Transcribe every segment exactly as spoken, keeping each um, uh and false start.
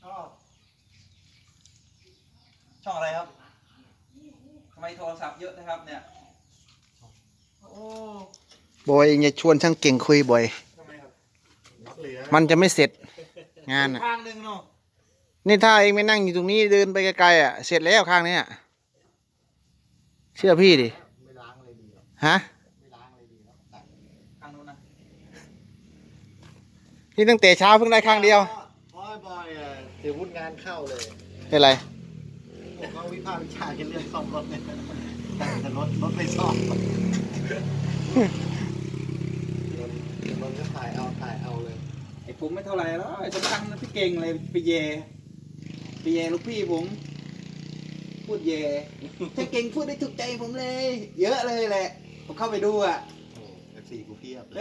ชอบช่องอะไรครับทำไมโทรศัพท์เยอะนะครับเนี่ยโอ้บอยอย่าชวนช่างเก่งคุยบ่อยทำไมครับมันจะไม่เสร็จงานอ่ะข้างหนึ่งเนาะนี่ถ้าเองไม่นั่งอยู่ตรงนี้เดินไปไกลๆอ่ะเสร็จแล้วข้างนี้เชื่อพี่ดิไม่ล้างเลยดีหรอฮะไม่ล้างเลยดีแล้วตัดข้างนู้นนะนี่ตั้งแต่เช้าเพิ่งได้ข้างเดียวบอยบอยอ่ะเดี๋ยววุ่นงานเข้าเลยเป็นไรผมเขาวิพากษ์วิจารณ์กันเรื่องซ่อมรถเนี่ยแต่รถรถไม่ซ่อมมันก็ถ่ายเอาถ่ายเอาเลยไอ้ผมไม่เท่าไหร่แล้วไอ้สำคัญนะพี่เก่งเลยไปเยไปเยลูกพี่ผมพูดเยถ้าเก่งพูดได้ถูกใจผมเลย เยอะเลยแหละผมเข้าไปดูอ่ะโอ้เอฟซีกูเพียบเลย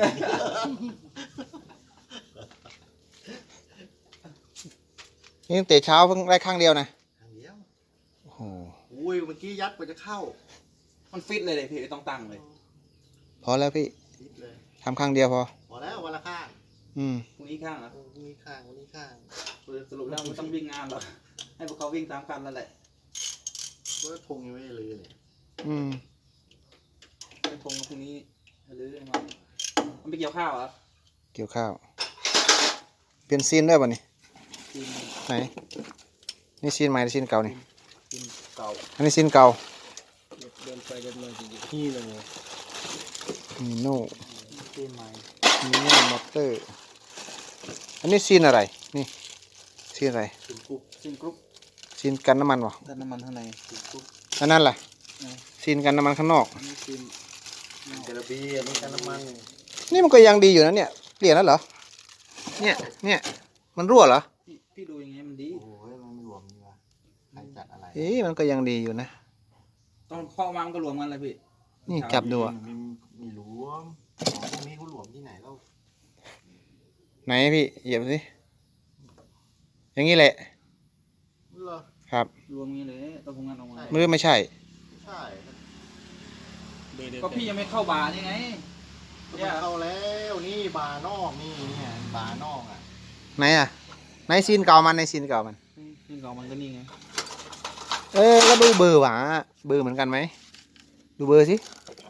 นี่ตั้งแต่เช้าเพิ่งได้ข้างเดียวนะทางเดียวโอ้โหอุ้ยเมื่อกี้ยัดกว่าจะเข้ามันฟิตเลยเลยพี่ต้องตั้งเลยพอแล้วพี่ฟิตเลยทำข้างเดียวพอพอแล้ววันละข้างอืมพรุ่งนี้ข้างอ่ะพรุ่งนี้ข้างวันนี้ข้างสรุปแล้วมันต้องวิ่งงานหรอให้พวกเขาวิ่งตามกันแล้วแหละเมื่อทงยังไม่เลยเลยอืมเป็นพงพรุ่งนี้หรือมามันไปเกี่ยวข้าวเหรอเกี่ยวข้าวเปลี่ยนซีนด้วยป่ะนี่ไหนนี่ซีนใหม่หรือซีนเก่านี่ซีนเก่าอันนี้ซีนเก่าเดินไปเดินมาจริงๆนี่เลยมีโน่ซีนใหม่มีโน่มอเตอร์อันนี้ซีนอะไรนี่ซีนอะไรซีนกรุ๊ปซีนกรุ๊ปซีนกันน้ำมันวะกันน้ำมันข้างในซีนกรุ๊ปอันนั้นแหละซีนกันน้ำมันข้างนอกอันนี้ซีนกระบี่อันนี้กันน้ำมันนี่มันก็ยังดีอยู่นะเนี่ยเปลี่ยนแล้วเหรอเนี่ยเนี่ยมันรั่วเหรอพี่พี่ดูยังไงมันดีโอ้ยมันรวมนี่วะใครจัดอะไรเอ๊ะมันก็ยังดีอยู่นะตอนข้อวางก็รวมกันเลยพี่นี่จับดูอ่ะมีมีรวมของพวกนี้เขารวมที่ไหนแล้วไหนพี่เหยียบสิอย่างนี้แหละครับรวมงี้เลยต้องทำงานออกมามือไม่ใช่ใช่ก็พี่ยังไม่เข้าบาร์ยังไงเนี่ยเข้าแล้วนี่บาร์นอกนี่เนี่ยบาร์นอกอ่ะไหนอ่ะไหนซีนเก่ามันในซีนเก่ามันซีนเก่ามันก็นี่ไงเออก็ดูเบอร์หวาเบอร์เหมือนกันไหมดูเบอร์สิ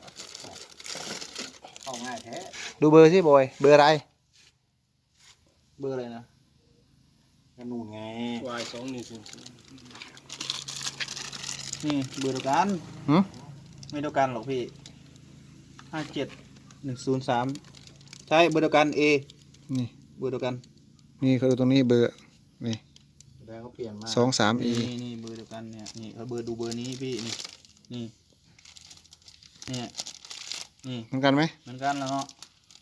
เข้าง่ายแท้ดูเบอร์สิบอยเบอร์อะไรเบอร์อะไรนะกระนูนไงวายสองหนึ่งศูนย์นี่เบอร์เดียวกันหืมไม่เดียวกันหรอกพี่ห้าเจ็ดหนึ่งศูนย์สามใช่เบอร์เดียวกันเอนี่เบอร์เดียวกันนี่เขาดูตรงนี้เบอร์นี่แล้วเขาเปลี่ยนมาสองสามอีนี่นี่เบอร์เดียวกันเนี่ยนี่เขาเบอร์ดูเบอร์นี้พี่นี่นี่เนี่ยนี่เหมือนกันไหมเหมือนกันแล้วเนาะ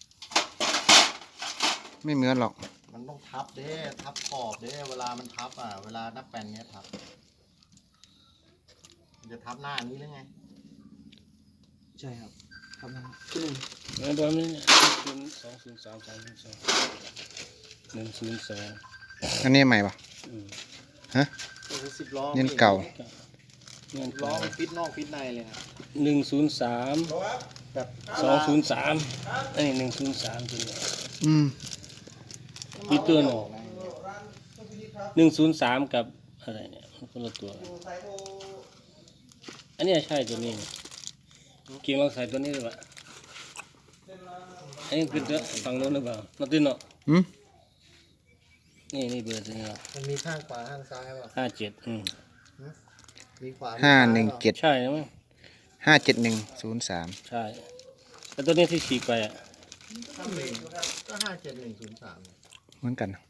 ไม่เหมือนหรอกมันต้องทับเด้ทับขอบเด้เวลามันทับอ่ะเวลานับแป้นเนี้ยทับจะทับหน้านี้หรือไงใช่ครับทับหน้าขึ้นหนึ่งแล้วตอนนี้ศูนย์สองศูนย์สามสองศูนย์สองหนึ่งศูนย์สองอันนี้ใหม่ปะฮะสิบล้อเงินเก่าล้อมันฟิตนอกฟิตในเลยครับหนึ่งศูนย์สามแบบสองศูนย์สามอันนี้หนึ่งศูนย์สามตัวนี้อืมมีตัวหนึ่งหนึ่งศูนย์สามกับอะไรเนี่ยคนละตัวอันนี้ใช่ตัวนี้เกี่ยวกับใส่ตัวนี้หรือเปล่าอันนี้คือตัวฝั่งโน้นหรือเปล่านัดตินเนาะอืมนี่นี่เบอร์ตัวนี้มันมีข้างขวาข้างซ้ายป่ะห้าเจ็ดอืมมีขวาห้าหนึ่งเจ็ดใช่ไหมห้าเจ็ดหนึ่งศูนย์สามใช่แล้วตัวนี้ที่ฉีกไปอ่ะก็ห้าเจ็ดหนึ่งศูนย์สามเหมือนกัน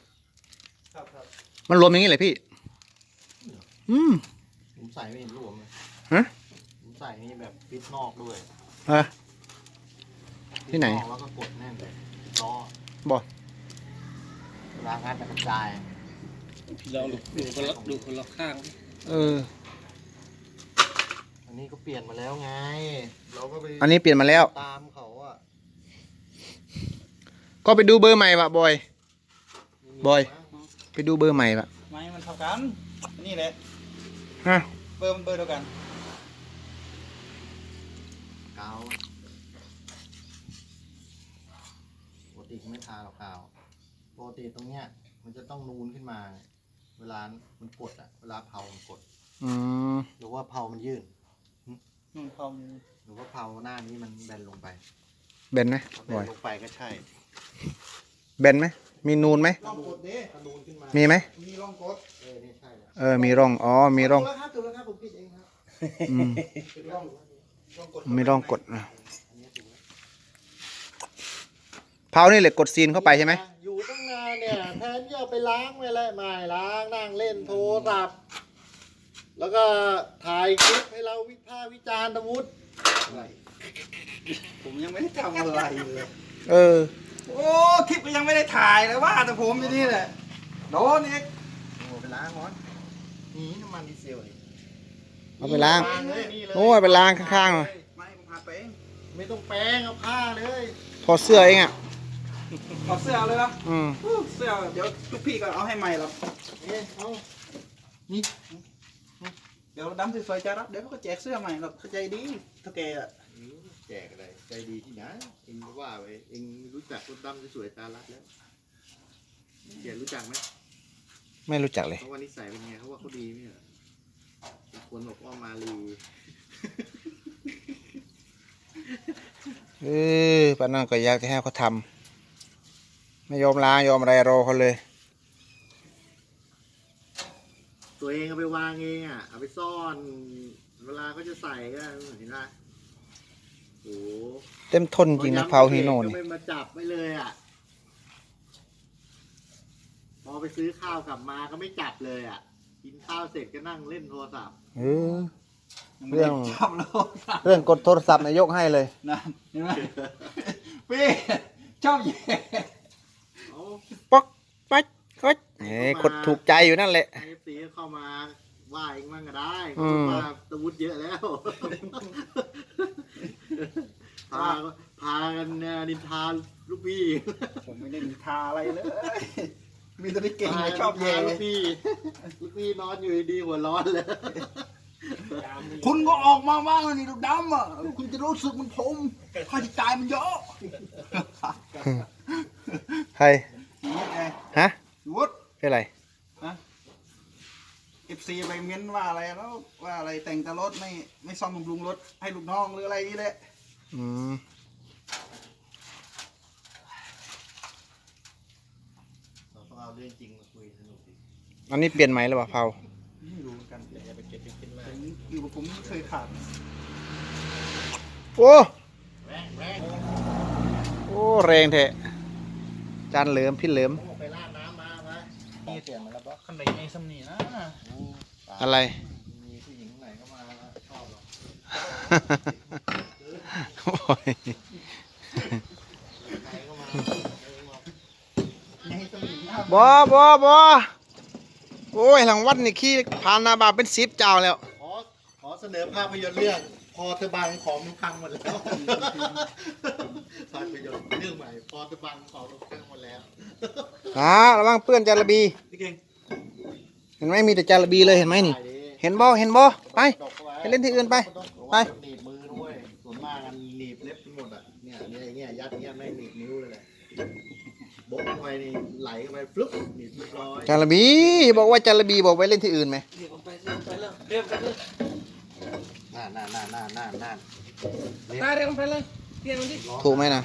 มันรวมอย่างนี้เลยพี่อืมผมใส่ไม่เห็นรวมเลยฮะผมใส่นี่แบบฟิตนอกด้วยฮะที่ไหนแล้วก็กดแน่นเลยล้อบอกเวลางานจะกระจายพี่ลองดูดูคนละดูคนละข้างเอออันนี้ก็เปลี่ยนมาแล้วไงเราก็ไปอันนี้เปลี่ยนมาแล้วตามเขาอ่ะก็ไปดูเบอร์ใหม่ปะบอยบอยไปดูเบอร์ใหม่ปะไม่มันเท่ากันนี่แหละฮะเบอร์มันเบอร์เดียวกันกาวปกติไม่ทาหรอกกาวปกติตรงเนี้ยมันจะต้องนูนขึ้นมาเวลามันกดอ่ะเวลาเผามันกดอืมหรือว่าเผามันยื่นนุ่นเขาหรือว่าเผาหน้านี้มันแบนลงไปเบนไหมถ้าแบบ่อน ยลงไปก็ใช่เบนไหมมีนูนไหมร่องกดเด้ถ้านูนขึ้นมามีไหมมีร่องกดเออนี่ใช่แหละเออมีร่องอ๋อมีร่องถูกแล้วครับถูกแล้วครับผมผิดเองครับอืมเป็นร่องร่องกดมีร่องกดนะอันนี้ถูกแล้วเผานี่เหล็กกดซีนเข้าไปใช่ไหมอยู่ตั้งนานเนี่ยแทนที่เอาไปล้างไว้เลยไม่ล้างนั่งเล่นโทรศัพท์แล้วก็ถ่ายคลิปให้เราวิพากษ์วิจารณ์ตะวุฒิอะไรผมยังไม่ได้ทำอะไรเลยเออโอ้คลิปก็ยังไม่ได้ถ่ายเลยว่าแต่ผมอยู่นี่แหละโดนเอกโอ้ไปล้างก่อนนี่น้ำมันดีเซลนี่เอาไปล้างเลยนี่เลยโอ้ยไปล้างข้างๆหน่อยไม่ผมพาไปเองไม่ต้องแป้งเอาผ้าเลยถอดเสื้อเองอ่ะถอดเสื้อเลยนะอืมอู้เสื้อเดี๋ยวลูกพี่ก็เอาให้ใหม่หรอกเอ๊ะเอานี่เดี๋ยวดำสวยๆจะรับเดี๋ยวเขาก็แจกเสื้อใหม่หรอกเข้าใจดีเท่าแกอะแจกอะไรใจดีที่ไหนเองว่าไปเองรู้จักรถดำสวยๆตาลัดแล้วเกียรรู้จักไหมไม่รู้จักเลยเขาว่านิสัยเป็นไงเขาว่าเขาดีไหมเหรอคนบอกว่ามาลีเออป้านั่นก็อยากจะให้เขาทำไม่ยอมล้างยอมอะไรรอเขาเลยตัวเองเอาไปวางเองอ่ะเอาไปซ่อน เวลาเขาจะใส่ก็เห็นไหมโอ้เต็มทนจริงนะเผาฮีโน่ก็นี่ไม่มาจับไม่เลยอ่ะพอไปซื้อข้าวกลับมาก็ไม่จับเลยอ่ะกินข้าวเสร็จก็นั่งเล่นโทรศัพท์เออยังไม่ได้จับโลกเรื่องกดโทรศัพท์นายยกให้เลยนั่นเห็นไหมพี่ชอบแย่เอาป๊อกป๊อกก๊ดเอ้ยกดถูกใจอยู่นั่นแหละไอ้ตีเข้ามาว่าเองมั่งก็ได้อืมว่าตะวุฒิเยอะแล้ว พาพากันเนี่ยนินทาลูกพี่ผมไม่ได้มีทาอะไรเลย มีแต่พี่เก่งไงชอบแย่พาลูกพี่ลูกพี่นอนอยู่ดีๆหัวร้อนเลยคุณก็ออกมาบ้างนี่ลูกดำอ่ะคุณจะรู้สึกเหมันผมค่าใช้จ่ายมันเยอะใครนี่ไงฮะวุฒิเป็นไรเอฟซีไปเม้นว่าอะไรแล้วว่าอะไรแต่งแต่รถไม่ไม่ซ่อมบำรุงรถให้ลูกน้องหรืออะไรนี่แหละอืมเราต้องเอาเรื่องจริงมาคุยสนุกดิอันนี้เปลี่ยนไหมหรือเปล่าเผาไม่รู้เหมือนกันอย่าไปเก็บไปคิดมากแต่อยู่กับผมไม่เคยขาดโอ้แรงแรงโอ้แรงแท้จานเหลิมพี่เหลิมผมออกไปลาดน้ำมาไหมมีเสียงมาแล้วปะขันไหนไอ้สำนีนะอะไรมีผู้หญิงไหนเข้ามาชอบหรอโอ้ยไหนเข้ามาไอ้สำนีนะบอบอบอโอ้ยหลังวัดนี่ขี้ผ่านหนาบาเป็นสิบเจ้าแล้วขอขอเสนอภาพยนตร์เรื่อง พอเธอบังของมันพังหมดแล้วภาพยนตร์เรื่องใหม่ พอเธอบังของมันพังหมดแล้วอ่าระวังเปื้อนจาระบีพี่เก่งเห็นไหมมีแต่จาระบีเลยเห็นไหมนี่ เห็นบ่เห็นบ่ไป ไปเล่นที่อื่นไปไปหนีบมือด้วยส่วนมากกันหนีบเล็บไปหมดอ่ะเนี่ยเนี่ยเนี่ยยัดเนี่ยไม่หนีบนิ้วเลยแหละโบ๊ะเข้าไปนี่ไหลเข้าไปฟลุ๊บหนีบเรียบร้อยจาระบี บอกว่าจาระบีบอกไปเล่นที่อื่นไหมเรียกผมไปเรียกผมไปเลยเรียกผมไปเลยน่าน่าน่าน่าน่าน่าตาเรียกผมไปเลยเรียกผมดิถูกไหมนะ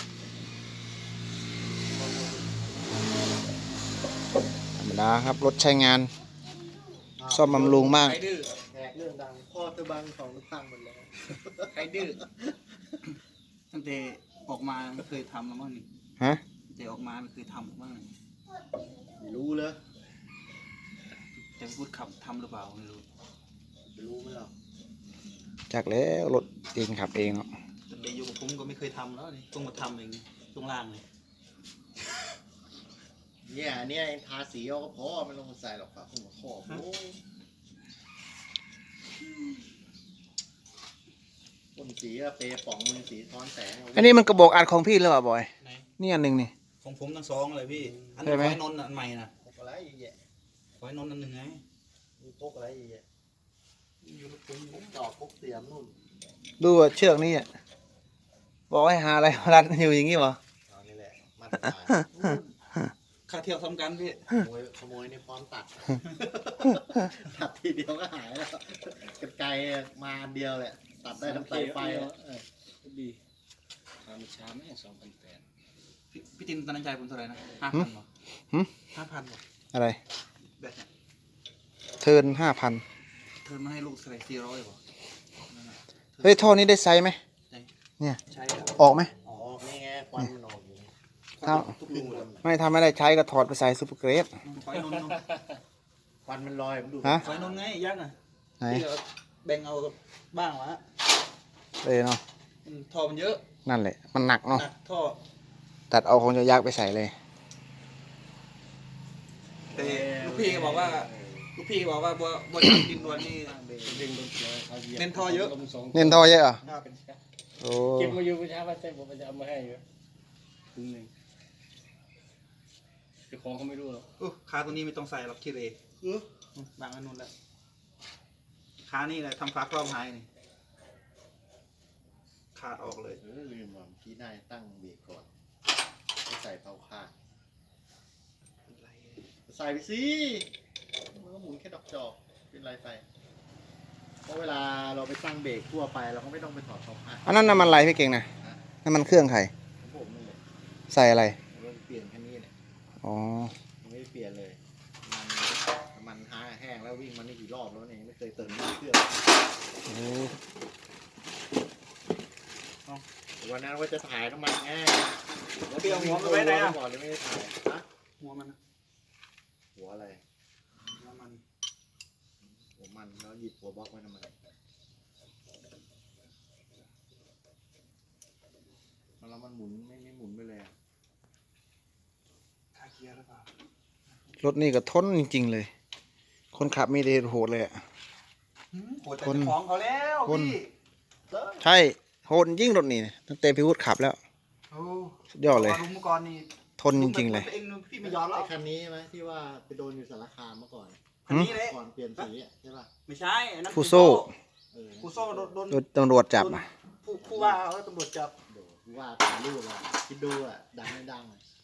ธรรมดาครับรถใช้งาน ซ่อมบำรุงมากใครดื้อแขกเรื่องดังพ่อเธอบังของมันพังหมดแล้วใครดื้อตั้งแต่ออกมาไม่เคยทำแล้วมั้งนี่ฮะแต่ออกมาไม่เคยทำบ้างนี่ไม่รู้เลยแต่พูดขับทำหรือเปล่าไม่รู้ไม่รู้ไหมหรอจากแล้วรถเองขับเองเนาะตั้งแต่อยู่กับผมก็ไม่เคยทำแล้วนี่ต้องมาทำเองตรงล่างเลยเนี่ยเนี่ยเองทาสีเอาก็พอไม่ต้องมาใส่หรอกครับหัวข้อโอ้ยพ่นสีอะเปรย์ป๋องมือสีท้อนแสงเอาอันนี้มันกระบอกอัดของพี่หรือเปล่าบอยไหนนี่อันหนึ่งนี่ของผมทั้งสองเลยพี่ อันใช่นี้ไหมไฟนนท์อันใหม่นะพกอะไรอีกแยะไฟนนท์อันหนึ่งไงมีพกอะไรอีกแยะอยู่กับผมพกดอกพกเสียมนู่นดูว่าเชือกนี่อ่ะบอกให้หาอะไรมารัดอยู่อย่างงี้เหรอเอานี่แหละมัดสายค่าเที่ยวสำคัญพี่ขโมยขโมยในพร้อมตัด ตัดทีเดียวก็หายแล้วกันไกลมาอันเดียวแหละตัดได้ทั้งสายไฟอะเออดีทำช้าไหมสองพันแปดพี่พี่จินตอนนั้นใจผมเท่าไหร่นะห้าพันหรอหึห้าพันหรออะไรแบบเนี้ยเทิร์นห้าพันเธอมาให้ลูกใส่สี่ร้อยหรอนั่นน่ะเฮ้ยท่อนี้ได้ไซส์ไหมใช่เนี่ยใช่อะออกไหมอ๋อนี่ไงควันมันออกอยู่นี่ถ้าทุกรูเลยไม่ทำไม่ได้ใช้ก็ถอดไปใส่ซูเปอร์เกรดถอยนนท์นนท์ควันมันลอยผมดูฮะถอยนนท์ไงยักษ์อ่ะไหนที่เราแบ่งเอาบ้างวะเลยเนาะอืมท่อมันเยอะนั่นแหละ มันหนักเนาะหนักท่อตัดเอาของยักษ์ไปใส่เลยแต่ลูกพี่ก็บอกว่าลูกพี่ก็บอกว่าบัวบัวจับดินดวนนี่ดึงลงเลยเขาเหยียบเน้นท่อเยอะลงสองเน้นท่อเยอะเหรอครับโอ้เก็บมาอยู่ประชาชนใจผมจะเอามาให้อยู่ครึ่งหนึ่งเจ้าของเขาไม่รู้หรอกอู้ขาตัวนี้ไม่ต้องใส่หรอกคิดเองบางอันนู้นแล้วขานี่แหละทำฟ้าครอบหายนี่ขาดออกเลยเออลืมว่าพี่นายตั้งเบรกก่อนไม่ใส่เผาคาดใส่ไปสิมันก็หมุนแค่ดอกจอกเป็นไรไปเพราะเวลาเราไปตั้งเบรกทั่วไปเราก็ไม่ต้องไปถอดเผาคาดอันนั้นน้ำมันอะไรพี่เก่งนะน้ำมันเครื่องใครของผมนั่นแหละใส่อะไรเราเปลี่ยนแค่นี้แหละอ๋อยังไม่ได้เปลี่ยนเลย มันมันหาแห้งแล้ววิ่งมันนี่กี่รอบแล้วเนี่ยยังไม่เคยเติมน้ำมันเครื่องโอ้วันนั้นว่าจะถ่ายน้ำมันไงเปรี้ยวหัวมันไว้ไหนอะก่อนเลยไม่ได้ถ่ายฮะหัวมันนะหัวอะไรหัวมันหัวมันแล้วหยิบหัวบล็อกไว้ทำไมมันแล้วมันหมุนไม่ไม่หมุนไปเลยอะคาเกียร์หรือเปล่ารถนี่ก็ทนจริงๆเลย คนขับมีแต่โหดเลยอะหืมโหดแต่คนเจ้าของเขาแล้วคนพี่เออใช่ โหดยิ่งรถนี่ตั้งแต่พี่วุฒิขับแล้วโอ้สุดยอดเลยลุงเมื่อก่อนนี่ทนจริงๆเลยตัวเองพี่ไม่ยอมหรอไอ้กคันนี้ใช่ไหมที่ว่าไปโดนอยู่สารคามเมื่อก่อนคันนี้เลยก่อนเปลี่ยนสีอะใช่ป่ะไม่ใช่อันนั้นฟูโซ่เออฟูโซ่โดนโดนโดนตำรวจจับอ่ะผู้ผู้ว่าเอาแล้วตำรวจจับเดี๋ยวว่าถ่ายรูปอะคิดดูอะดังไม่ดังอะ